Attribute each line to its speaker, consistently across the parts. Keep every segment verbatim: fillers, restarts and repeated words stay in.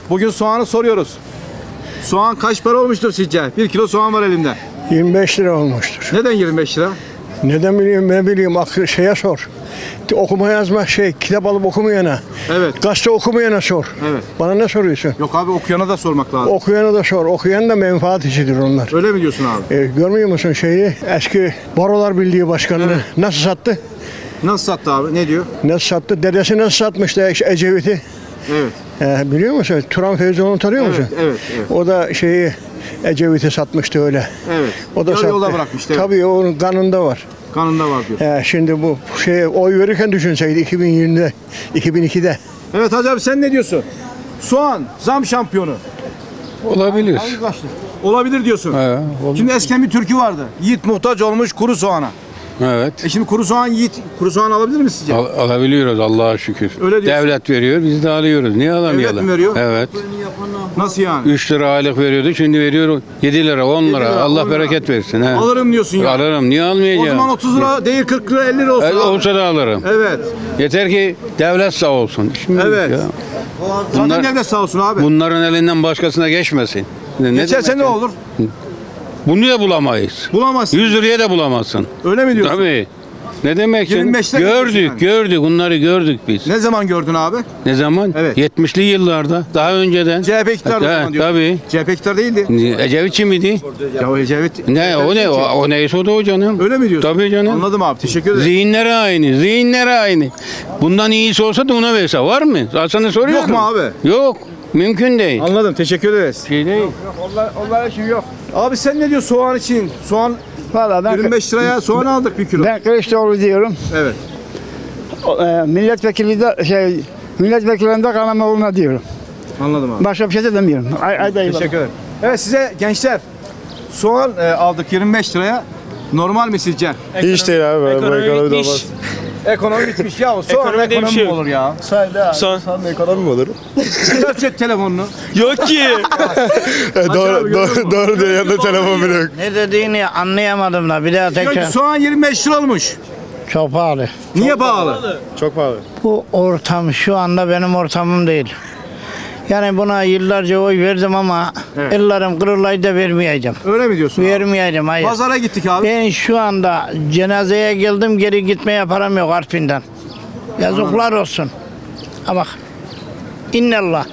Speaker 1: Bugün soğanı soruyoruz. Soğan kaç para olmuştur sizce? Bir kilo soğan var elimde.
Speaker 2: yirmi beş lira olmuştur.
Speaker 1: Neden yirmi beş lira?
Speaker 2: Neden bileyim ne bileyim aklı şeye sor. Okuma yazma şey kitap alıp okumayana.
Speaker 1: Evet.
Speaker 2: Gazete okumayana sor.
Speaker 1: Evet.
Speaker 2: Bana ne soruyorsun?
Speaker 1: Yok abi, okuyana da sormak lazım.
Speaker 2: Okuyana da sor. Okuyan da menfaat işidir onlar.
Speaker 1: Öyle mi diyorsun abi?
Speaker 2: E, görmüyor musun şeyi? Eski Barolar Birliği Başkanı'nı
Speaker 1: Evet.
Speaker 2: nasıl sattı?
Speaker 1: Nasıl sattı abi? Ne diyor?
Speaker 2: Nasıl sattı? Dedesi nasıl satmıştı Ecevit'i?
Speaker 1: Evet.
Speaker 2: E, biliyor musun? Turan Feyzoğlu'nu tanıyor musun?
Speaker 1: Evet, evet, evet.
Speaker 2: O da şeyi Ecevit'i satmıştı öyle.
Speaker 1: Evet.
Speaker 2: O da
Speaker 1: Yarı
Speaker 2: sattı.
Speaker 1: yolda bırakmıştı. Evet.
Speaker 2: Tabii onun kanında var.
Speaker 1: Kanında var diyor.
Speaker 2: E, şimdi bu şey oy verirken düşünseydi iki bin yirmide, iki bin ikide.
Speaker 1: Evet Hacı abi, sen ne diyorsun? Soğan zam şampiyonu.
Speaker 3: Olabilir.
Speaker 1: Olabilir diyorsun.
Speaker 3: He, olur.
Speaker 1: Şimdi eskiden bir türkü vardı. Yiğit muhtaç olmuş kuru soğana.
Speaker 3: Evet.
Speaker 1: E şimdi kuru soğan Yiğit kuru soğan alabilir mi sizce?
Speaker 3: Al- alabiliyoruz Allah'a şükür.
Speaker 1: Öyle diyorsun.
Speaker 3: Devlet veriyor, biz de alıyoruz. Niye alamayalım?
Speaker 1: Devlet mi veriyor?
Speaker 3: Evet.
Speaker 1: Nasıl yani?
Speaker 3: üç lira aylık veriyordu, şimdi veriyor yedi lira, on lira.
Speaker 1: lira,
Speaker 3: Allah
Speaker 1: on lira.
Speaker 3: bereket versin. He.
Speaker 1: Alırım diyorsun ya.
Speaker 3: Alırım, niye
Speaker 1: O
Speaker 3: almayacağım?
Speaker 1: zaman otuz lira değil, kırk lira, elli lira olsun.
Speaker 3: Evet,
Speaker 1: abi.
Speaker 3: olsa da alırım.
Speaker 1: Evet.
Speaker 3: Yeter ki devlet sağ olsun. Şimdi
Speaker 1: Evet.
Speaker 3: ya,
Speaker 1: Zaten
Speaker 3: Bunlar-
Speaker 1: devlet sağ olsun abi.
Speaker 3: bunların elinden başkasına geçmesin. Ne, ne
Speaker 1: Geçerse
Speaker 3: demek
Speaker 1: ne
Speaker 3: ya?
Speaker 1: olur?
Speaker 3: Bunu da bulamayız.
Speaker 1: Bulamazsın.
Speaker 3: yüz liraya da bulamazsın.
Speaker 1: Öyle mi diyorsun?
Speaker 3: Tabii. Ne demek
Speaker 1: yirmi
Speaker 3: şimdi?
Speaker 1: beşte
Speaker 3: Gördük,
Speaker 1: geçiyorsun yani.
Speaker 3: gördük. Bunları gördük biz.
Speaker 1: Ne zaman gördün abi?
Speaker 3: Ne zaman?
Speaker 1: Evet.
Speaker 3: yetmişli yıllarda. Daha önceden.
Speaker 1: C H P iktidarı o
Speaker 3: Ha,
Speaker 1: zaman diyor.
Speaker 3: tabii.
Speaker 1: C H P iktidarı değildi.
Speaker 3: Ecevitçi miydi?
Speaker 1: Ya o Ecevit.
Speaker 3: Ne o ne o, o neyse o da o canım.
Speaker 1: Öyle mi diyorsun?
Speaker 3: Tabii canım.
Speaker 1: Anladım abi, teşekkür ederim.
Speaker 3: Zihinleri aynı, zihinleri aynı. Bundan iyisi olsa da ona verse var mı? Ben sana soruyorum.
Speaker 1: Yok mu abi?
Speaker 3: Yok. Mümkün değil.
Speaker 1: Anladım, teşekkür ederiz.
Speaker 3: Şey değil.
Speaker 1: Onlar, onlar için yok. Abi sen ne diyorsun soğan için? Soğan
Speaker 4: Valla ben,
Speaker 1: yirmi beş liraya soğan aldık bir kilo.
Speaker 4: ben Kılıçdaroğlu diyorum.
Speaker 1: Evet.
Speaker 4: O, e, milletvekili de şey milletvekillerinde Karamoğlu'na diyorum.
Speaker 1: Anladım abi.
Speaker 4: Başka bir şey de demiyorum. Ay, ay dayı.
Speaker 1: Teşekkür ederim. Evet size gençler, soğan e, aldık yirmi beş liraya. Normal mi sizce?
Speaker 5: Hiç değil abi.
Speaker 6: Ekonomi bitmiş.
Speaker 1: Ekonomi bitmiş ya. Soğan
Speaker 6: Ekonomi diye bir
Speaker 1: ekonomi
Speaker 6: şey
Speaker 1: mi
Speaker 6: yok.
Speaker 1: olur ya?
Speaker 6: Son.
Speaker 5: Ekonomi mi olur?
Speaker 1: Çıkar cep telefonunu.
Speaker 6: Yok ki.
Speaker 5: doğru, doğru, doğru diyor. Yanında telefon bile yok.
Speaker 7: Ne dediğini anlayamadım da bir daha
Speaker 1: Diyor ki
Speaker 7: tekrar.
Speaker 1: soğan yirmi beş lira olmuş.
Speaker 7: Çok pahalı.
Speaker 1: Niye pahalı?
Speaker 5: Çok pahalı.
Speaker 7: Bu ortam şu anda benim ortamım değil. Yani buna yıllarca oy verdim ama
Speaker 1: Evet.
Speaker 7: ellerim kırılaydı da vermeyeceğim.
Speaker 1: Öyle mi diyorsun abi?
Speaker 7: Vermeyeceğim, hayır.
Speaker 1: Pazara gittik abi.
Speaker 7: Ben şu anda cenazeye geldim, geri gitmeye param yok Artvin'den. Yazıklar olsun. Ha bak. İnnallah.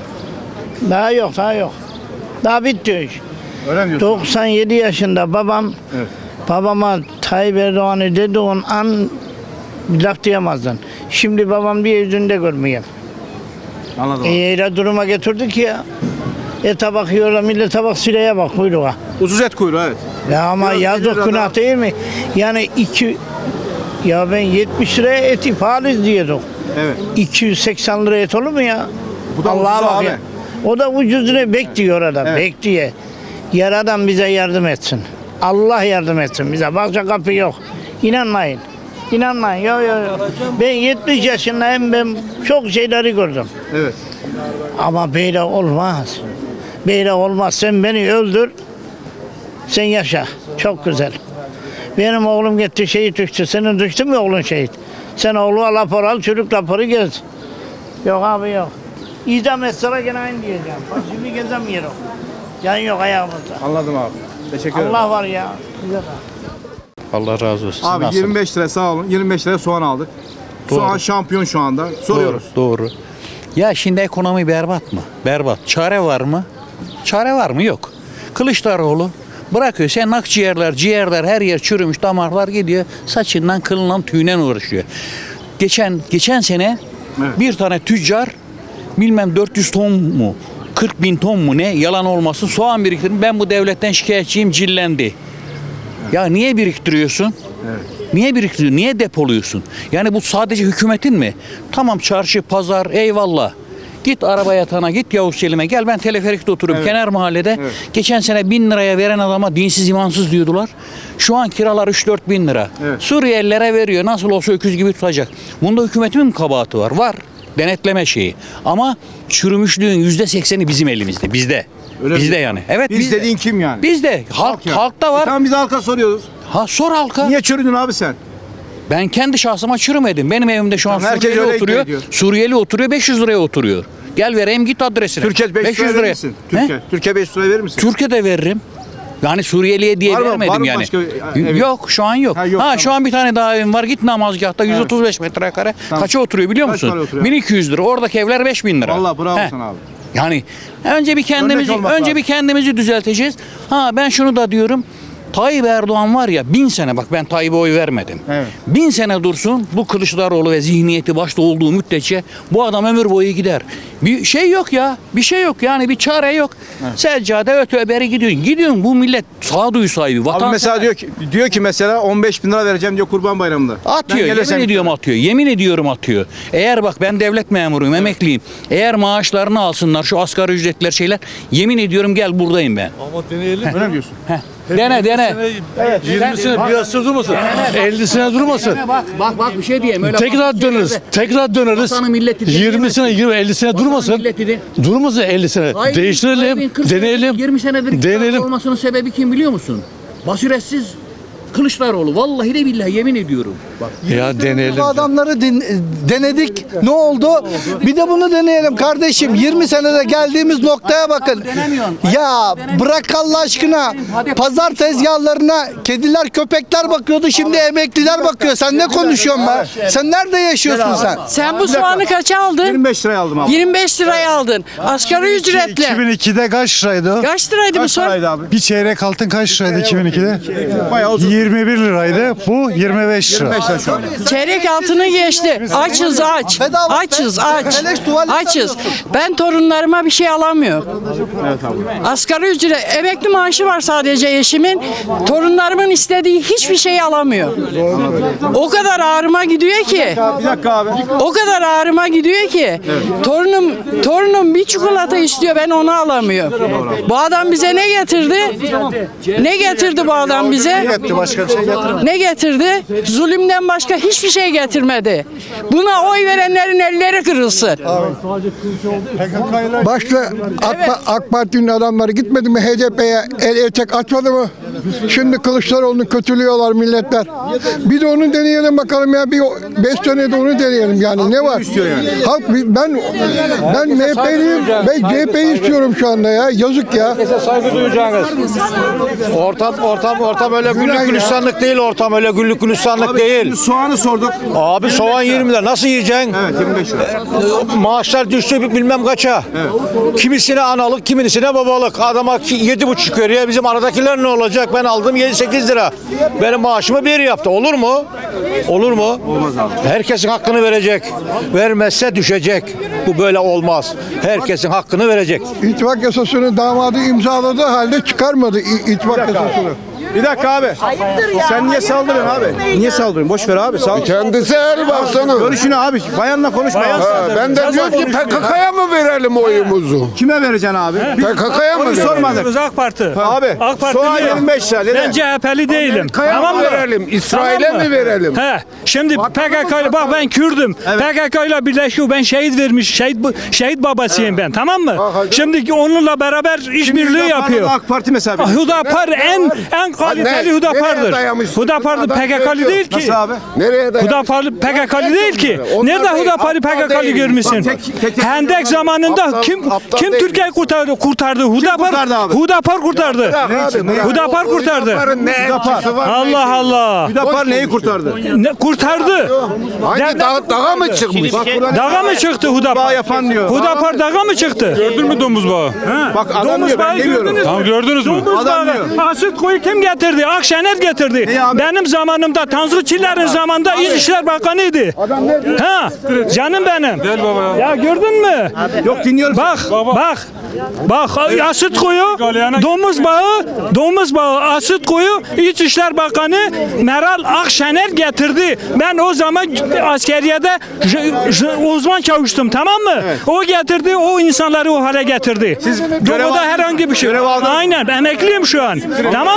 Speaker 7: Daha yok, daha yok. Daha bitti o iş.
Speaker 1: Öyle mi diyorsun?
Speaker 7: doksan yedi yaşında babam,
Speaker 1: Evet.
Speaker 7: babama Tayyip Erdoğan'ı dediğin an bir laf diyemazdın. Şimdi babam bir yüzünde görmeyeyim.
Speaker 1: Anladım
Speaker 7: E,
Speaker 1: abi.
Speaker 7: öyle duruma getirdik ya. Ete bakıyorlar, millete bak, sileye bak, kuyruğa.
Speaker 1: Ucuz et kuyruğu, evet.
Speaker 7: Ya ama
Speaker 1: Biraz
Speaker 7: yazık
Speaker 1: liradan-
Speaker 7: günah değil mi? Yani iki, ya ben yetmiş liraya eti pahalı diyordum.
Speaker 1: Evet.
Speaker 7: iki yüz seksen lira et olur mu ya?
Speaker 1: Bu da
Speaker 7: Allah'a
Speaker 1: ucuz
Speaker 7: bak
Speaker 1: abi.
Speaker 7: ya. O da ucuz lira bekliyor adam,
Speaker 1: Evet.
Speaker 7: bekliyor. Yaradan bize yardım etsin. Allah yardım etsin bize. Başka kapı yok. İnanmayın. İnanmayın. Yok yok yok. Ben yetmiş yaşındayım. Ben çok şeyleri gördüm.
Speaker 1: Evet.
Speaker 7: Ama böyle olmaz. Böyle olmaz. Sen beni öldür. Sen yaşa. Çok güzel. Benim oğlum gitti şehit düştü. Senin düştü mü oğlun şehit? Sen oğlu rapor al, çocuk raporu gez. Yok abi yok. İdam etseler gene aynı diyeceğim. Bak şimdi gezemiyorum. Can yok ayağımızda.
Speaker 1: Anladım abi. Teşekkür ederim.
Speaker 7: Allah var ya. Güzel.
Speaker 6: Allah razı olsun.
Speaker 1: Abi yirmi beş lira sağ olun. yirmi beş liraya soğan aldık. Soğan şampiyon şu anda. Soruyoruz.
Speaker 8: Doğru, doğru. Ya şimdi ekonomi berbat mı? Berbat. Çare var mı? Çare var mı? Yok. Kılıçdaroğlu bırakıyor. Sen akciğerler, ciğerler her yer çürümüş, damarlar gidiyor. Saçından, kılından, tüyünden uğraşıyor. Geçen geçen sene
Speaker 1: Evet.
Speaker 8: bir tane tüccar bilmem dört yüz ton mu, kırk bin ton mu ne yalan olmasın soğan biriktirdim. Ben bu devletten şikayetçiyim, cillendi. Ya niye biriktiriyorsun? Niye biriktiriyorsun? Niye depoluyorsun? Yani bu sadece hükümetin mi? Tamam çarşı, pazar, eyvallah. Git araba yatağına, git Yavuz Selim'e. Gel ben teleferikte oturuyorum
Speaker 1: Evet.
Speaker 8: kenar mahallede.
Speaker 1: Evet.
Speaker 8: Geçen sene bin liraya veren adama dinsiz imansız diyordular. Şu an kiralar üç dört bin lira.
Speaker 1: Evet.
Speaker 8: Suriyelilere veriyor. Nasıl olsa öküz gibi tutacak. Bunda hükümetin mi kabahati var? Var. Denetleme şeyi. Ama çürümüşlüğün yüzde sekseni bizim elimizde. Bizde.
Speaker 1: Öyle mi?
Speaker 8: bizde yani. Evet
Speaker 1: Biz
Speaker 8: bizde.
Speaker 1: dediğin kim yani?
Speaker 8: Bizde. Halk,
Speaker 1: yani.
Speaker 8: halkta var.
Speaker 1: E tamam biz halka soruyoruz.
Speaker 8: Ha sor halka.
Speaker 1: Niye çürüdün abi sen?
Speaker 8: Ben kendi şahsıma çürümedim. Benim evimde şu an
Speaker 1: Tamam, herkes
Speaker 8: Suriyeli
Speaker 1: öyle
Speaker 8: oturuyor.
Speaker 1: iddia ediyor.
Speaker 8: Suriyeli oturuyor beş yüz liraya oturuyor. Gel vereyim git adresine.
Speaker 1: Türkiye beş yüz liraya verir misin?
Speaker 8: He?
Speaker 1: Türkiye, Türkiye beş yüz liraya verir misin?
Speaker 8: Türkiye'de veririm. Yani Suriyeliye diye
Speaker 1: Var mı-
Speaker 8: vermedim
Speaker 1: var mı
Speaker 8: yani.
Speaker 1: başka bir ev?
Speaker 8: Yok şu an yok.
Speaker 1: Ha,
Speaker 8: Ha,
Speaker 1: yok, tamam.
Speaker 8: şu an bir tane daha evim var. Git namazgahta yüz otuz beş metrekare.
Speaker 1: Tamam.
Speaker 8: Kaça oturuyor biliyor
Speaker 1: Kaç
Speaker 8: musun?
Speaker 1: para oturuyor?
Speaker 8: bin iki yüz lira. Oradaki evler beş bin lira.
Speaker 1: Vallahi bravo
Speaker 8: He.
Speaker 1: sana abi.
Speaker 8: Yani önce bir kendimizi
Speaker 1: olmak
Speaker 8: önce
Speaker 1: lazım.
Speaker 8: bir kendimizi düzelteceğiz. Ha ben şunu da diyorum. Tayyip Erdoğan var ya bin sene bak ben Tayyip'e oy vermedim.
Speaker 1: Evet.
Speaker 8: Bin sene dursun bu Kılıçdaroğlu ve zihniyeti başta olduğu müddetçe bu adam ömür boyu gider. Bir şey yok ya. Bir şey yok yani bir çare yok. Seccade öte beri gidiyorsun. Gidiyorsun bu millet sağduyu sahibi.
Speaker 1: Abi
Speaker 8: Vatan
Speaker 1: mesela diyor ki diyor ki mesela on beş bin lira vereceğim diyor Kurban Bayramı'nda.
Speaker 8: Atıyor.
Speaker 1: Ben gelirsem-
Speaker 8: Yemin ediyorum atıyor. Yemin ediyorum atıyor. Eğer bak ben devlet memuruyum, emekliyim. Eğer maaşlarını alsınlar şu asgari ücretler şeyler. Yemin ediyorum gel buradayım ben.
Speaker 1: Öyle mi diyorsun?
Speaker 8: Dene dene.
Speaker 9: yirmi sene piyasada durmasın. elli sene durmasın.
Speaker 8: Bak bak bak bir şey diyeyim. Öyle
Speaker 9: Tekrar
Speaker 8: bak-
Speaker 9: döneriz. Tekrar döneriz.
Speaker 8: Vatanı milleti
Speaker 9: yirmi sene, yirmi elli sene durmasın.
Speaker 8: milleti de-
Speaker 9: Durmasın elli sene.
Speaker 8: Tayyip'in-
Speaker 9: Değiştirelim,
Speaker 8: Tayyip'in kırk senedir,
Speaker 9: deneyelim.
Speaker 8: yirmi senedir iktidar
Speaker 9: Deneyelim.
Speaker 8: olmasının sebebi kim biliyor musun? Basiretsiz Kılıçdaroğlu. Vallahi de billahi yemin ediyorum. Bak.
Speaker 9: Ya deneyelim.
Speaker 10: Bu adamları din- denedik. Ne oldu? Bir de bunu deneyelim kardeşim. yirmi senede geldiğimiz noktaya bakın. Ya bırak Allah aşkına. Pazar tezgahlarına kediler, köpekler bakıyordu. Şimdi emekliler bakıyor. Sen ne konuşuyorsun be? Sen nerede yaşıyorsun sen?
Speaker 11: Sen bu soğanı kaça aldın?
Speaker 1: yirmi beş liraya aldım abi.
Speaker 11: yirmi beş liraya aldın. Asgari ücretle.
Speaker 9: iki bin ikide kaç liraydı?
Speaker 11: Kaç liraydı bu
Speaker 1: Kaç
Speaker 11: soğan?
Speaker 1: paraydı abi?
Speaker 9: Bir çeyrek altın kaç liraydı iki bin ikide?
Speaker 1: Bayağı uzun.
Speaker 9: yirmi bir liraydı. Bu yirmi beş lira.
Speaker 1: beş lira şu an.
Speaker 11: Çeyrek altını geçti. Açız aç.
Speaker 10: Bedava.
Speaker 11: Açız aç.
Speaker 10: Beleş tuvalet
Speaker 11: Açız. Ben torunlarıma bir şey alamıyorum. Asgari ücret, emekli maaşı var sadece eşimin. Torunlarımın istediği hiçbir şey alamıyor. O kadar ağrıma gidiyor ki.
Speaker 1: Bir dakika abi.
Speaker 11: O kadar ağrıma gidiyor ki. Torunum torunum bir çikolata istiyor ben onu alamıyorum. Bu adam bize ne getirdi? Ne getirdi bu adam bize?
Speaker 9: Başka bir şey getirmedi.
Speaker 11: Ne getirdi? Zulümden başka hiçbir şey getirmedi. Buna oy verenlerin elleri kırılsın.
Speaker 2: Başta AK, AK Parti'nin adamları gitmedi mi H D P'ye el etek atmadı mı? Şimdi Kılıçdaroğlu'nu kötülüyorlar milletler. Bir de onu deneyelim bakalım ya. Bir beş sene de onu deneyelim yani. Ne var? Halk ben ben M H P'liyim. Ben C H P'yi istiyorum şu anda ya. Yazık ya.
Speaker 9: Saygı duyacağınız. Ortam ortam ortam öyle güllük gülistanlık değil ortam öyle güllük gülistanlık
Speaker 1: Abi
Speaker 9: değil.
Speaker 1: şimdi soğanı sorduk.
Speaker 9: Abi soğan yirmi lira nasıl yiyeceksin?
Speaker 1: Evet yirmi beş lira.
Speaker 9: Maaşlar düştü bilmem kaça. Kimisine analık, kimisine babalık. Adama yedi buçuk veriyor. Bizim aradakiler ne olacak? Ben aldım yedi sekiz lira. Benim maaşımı bir yaptı. Olur mu? Olur mu? Olmaz abi. Herkesin hakkını verecek. Vermezse düşecek. Bu böyle olmaz. Herkesin hakkını verecek.
Speaker 2: İttifak yasasını damadı imzaladığı halde çıkarmadı İ- ittifak yasasını.
Speaker 1: Bir dakika abi. Sen niye saldırıyorsun abi? Niye saldırıyorsun? Boş ver abi. Sal.
Speaker 5: Kendisi el baksana.
Speaker 1: Görüşünü abi. Bayanla konuşma. abi.
Speaker 5: Ha, ben de diyorum ki P K K'ya mı verelim oyumuzu?
Speaker 1: Kime vereceksin abi?
Speaker 5: P K K'ya mı
Speaker 1: Onu
Speaker 5: verelim?
Speaker 1: sormadık.
Speaker 6: AK Parti.
Speaker 1: Abi.
Speaker 6: AK Parti
Speaker 1: Soğan
Speaker 6: diyor.
Speaker 1: yirmi beş lira.
Speaker 6: Ben
Speaker 1: Neden?
Speaker 6: C H P'li değilim.
Speaker 5: Kaya
Speaker 6: Tamam
Speaker 5: mı
Speaker 6: mı?
Speaker 5: verelim? İsrail'e
Speaker 6: Tamam mı?
Speaker 5: mi verelim?
Speaker 6: He. Şimdi P K K ile bak ben Kürdüm. P K K ile birleşiyor. Ben şehit vermiş. Şehit şehit babasıyım ben. Tamam mı? Şimdi onunla beraber işbirliği
Speaker 1: Hüdapar'la
Speaker 6: yapıyor.
Speaker 1: AK Parti mesela.
Speaker 6: Ah, Hüdapar en en kaliteli
Speaker 5: nereye
Speaker 6: Hüdapar'dır.
Speaker 5: dayamışsın?
Speaker 6: Hüdapar
Speaker 5: Adam
Speaker 6: P K K'lı
Speaker 5: söylüyor.
Speaker 6: değil ki.
Speaker 1: Nasıl abi?
Speaker 5: Nereye dayanmış?
Speaker 6: Hüdapar P K K'lı değil ki.
Speaker 5: Onlar
Speaker 6: Nerede
Speaker 5: değil,
Speaker 6: Hüdapar'ı P K
Speaker 5: aptal
Speaker 6: K'lı
Speaker 5: değil.
Speaker 6: görmüşsün?
Speaker 1: Bak, tek- tek- tek-
Speaker 6: Hendek zamanında
Speaker 5: Aptal-
Speaker 6: kim
Speaker 5: aptal
Speaker 6: kim
Speaker 5: değil.
Speaker 6: Türkiye'yi kurtardı? Kurtardı. Hüdapar
Speaker 1: kurtardı abi?
Speaker 6: Hüdapar kurtardı. Hüdapar kurtardı.
Speaker 5: Hüdapar'ın ne elçisi var?
Speaker 6: Allah Allah.
Speaker 1: Hüdapar neyi kurtardı?
Speaker 6: Ne kurtardı?
Speaker 5: Hangi dağ, dağa mı çıkmış?
Speaker 6: Dağa mı çıktı
Speaker 1: Bağ
Speaker 6: Hüdapar?
Speaker 1: yapan diyor.
Speaker 6: Hüdapar dağa mı çıktı?
Speaker 3: Gördün mü domuz bağı?
Speaker 1: Bak adam
Speaker 6: Domuz
Speaker 1: diyor ben
Speaker 6: bağı
Speaker 1: demiyorum.
Speaker 6: gördünüz mü?
Speaker 3: Tamam gördünüz mü?
Speaker 6: Domuz
Speaker 1: Adam
Speaker 6: bağı.
Speaker 1: diyor.
Speaker 6: Asit koyu kim getirdi? Akşener getirdi.
Speaker 1: Ne abi?
Speaker 6: Benim zamanımda Tansu Çiller'in zamanında İçişler Bakanıydı. Ha, canım benim.
Speaker 3: Gel baba ya.
Speaker 6: Ya gördün mü?
Speaker 1: Yok dinliyorum.
Speaker 6: Bak, bak. Bak asit koyu, domuz bağı, domuz bağı asit koyu İçişler Bakanı Meral Akşener getirdi. Ben o zaman askeriyede j- j- uzman çavuştum, tamam mı? O getirdi, o insanları o hale getirdi. Siz
Speaker 1: görev
Speaker 6: Doğuda
Speaker 1: aldınız
Speaker 6: herhangi bir şey.
Speaker 1: Görev aldınız.
Speaker 6: Aynen, emekliyim şu an. Tamam mı?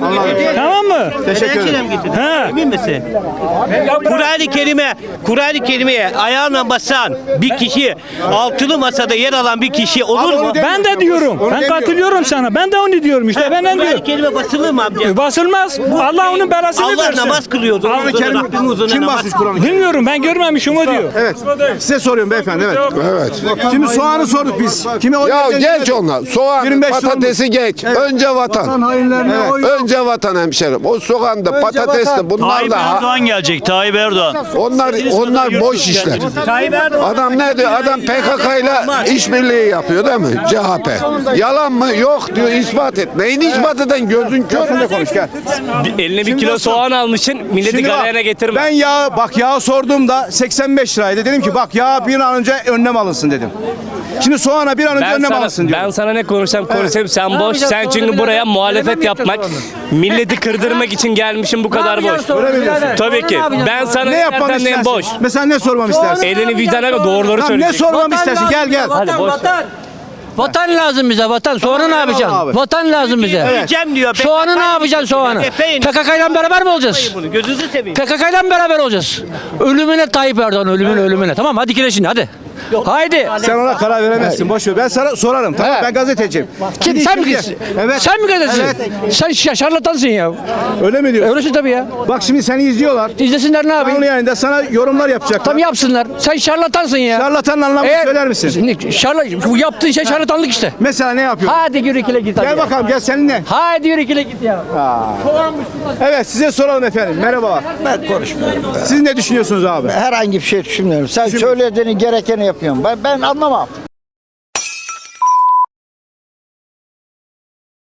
Speaker 1: Anladım.
Speaker 6: Tamam mı?
Speaker 1: Teşekkür ederim.
Speaker 6: He.
Speaker 12: Emin misin? Kur'an-ı Kerim'e, Kur'an-ı Kerim'e ayağına basan bir kişi, altılı masada yer alan bir kişi olur mu?
Speaker 6: Ben de diyorum.
Speaker 1: Onu
Speaker 6: Ben
Speaker 1: demiyorum.
Speaker 6: katılıyorum sana. Ben de onu diyorum işte. Ben ne
Speaker 12: Kur'an-ı
Speaker 6: diyorum?
Speaker 12: Kerim'e basılır mı amca?
Speaker 6: E, Basılmaz. Allah onun belasını
Speaker 12: Allah
Speaker 6: versin.
Speaker 12: namaz kılıyor.
Speaker 1: Kur'an-ı Kerim kim basmış Kur'an-ı Kerim?
Speaker 6: Bilmiyorum, ben görmemişim o diyor.
Speaker 1: Evet. Size soruyorum beyefendi. Evet.
Speaker 5: Evet.
Speaker 1: Şimdi soğanı sorduk biz. Kime oy
Speaker 5: Ya
Speaker 1: vereceğini
Speaker 5: geç
Speaker 1: demedik.
Speaker 5: onlar. Soğan,
Speaker 1: yirmi beş
Speaker 5: patatesi geç. Önce vatan. Önce vatan hemşerim. O soğanda, patatesli bunlar da ha-
Speaker 12: gelecek. Tayyip Erdoğan.
Speaker 5: onlar onlar boş işler.
Speaker 12: Tayyip Erdoğan.
Speaker 5: Adam ne diyor? Adam P K K ile işbirliği yapıyor değil mi? C H P. Yalan mı? Yok diyor, ispat et. Neyini ispat eden gözün kör mü?
Speaker 1: Konuş gel.
Speaker 12: Eline
Speaker 1: bir kilo
Speaker 12: soğan almışsın. Milleti
Speaker 1: Şimdi bak, Ben yağ, bak yağ sorduğumda seksen beş liraydı. Dedim ki bak yağ bir an önce önlem alınsın dedim. Şimdi soğana bir an önce önlem alınsın diyor.
Speaker 12: Ben sana ne konuşsam konuşayım sen boş. Sen çünkü buraya muhalefet yapmak, milleti kırdırmak için gelmişim bu kadar boş.
Speaker 1: Öyle mi diyorsun?
Speaker 12: Tabii ki. Ben sana
Speaker 1: Ne yapmamı
Speaker 12: nereden
Speaker 1: istersin?
Speaker 12: boş.
Speaker 1: Mesela ne sormamı istersin?
Speaker 12: Elini vicdana ve doğruları
Speaker 1: Tamam, ne
Speaker 12: söyleyecek.
Speaker 1: sormamı istersin? Gel gel.
Speaker 12: Hadi boş.
Speaker 10: Vatan lazım bize vatan. Soğanı ne yapacaksın?
Speaker 1: abi.
Speaker 10: Vatan lazım bize.
Speaker 12: Yiyeceğim diyor.
Speaker 10: Soğanı ne yapacaksın soğanı?
Speaker 12: Efendim.
Speaker 10: P K K ile beraber mi olacağız?
Speaker 12: Bunu gözünüzü seveyim.
Speaker 10: P K K ile beraber olacağız. Ölümüne Tayyip Erdoğan, ölümüne ölümüne. Tamam hadi kileşin hadi. Haydi.
Speaker 1: Sen ona karar veremezsin. Boş ver. Ben sana sorarım. Tamam
Speaker 10: He.
Speaker 1: ben gazeteciyim.
Speaker 10: Kim,
Speaker 1: Şimdi
Speaker 10: sen mi
Speaker 1: şimdi-
Speaker 10: gitsin?
Speaker 1: Evet.
Speaker 10: Sen mi gazetecisin?
Speaker 1: Evet.
Speaker 10: Sen şa- şarlatansın ya.
Speaker 1: Öyle mi diyorsun?
Speaker 10: Öylesin tabii ya.
Speaker 1: Bak şimdi seni izliyorlar.
Speaker 10: İzlesinler ne
Speaker 1: Canlı
Speaker 10: yapayım?
Speaker 1: yayında sana yorumlar yapacaklar.
Speaker 10: Tam yapsınlar. Sen şarlatansın ya.
Speaker 1: Şarlatanın anlamını
Speaker 10: Eğer-
Speaker 1: söyler misin?
Speaker 10: Ne- Şarla, bu yaptığın şey şarlatanlık işte.
Speaker 1: Mesela ne yapıyor?
Speaker 10: Hadi yürü ikile git. hadi
Speaker 1: Gel
Speaker 10: ya.
Speaker 1: bakalım gel seninle.
Speaker 10: Hadi yürü ikile git ya.
Speaker 1: Evet size soralım efendim. Merhabalar.
Speaker 7: Ben konuşmuyorum.
Speaker 1: Siz ne düşünüyorsunuz abi?
Speaker 7: Herhangi bir şey düşünmüyorum. Sen söylediğini gerekeni yapıyorum. Ben, ben anlamam.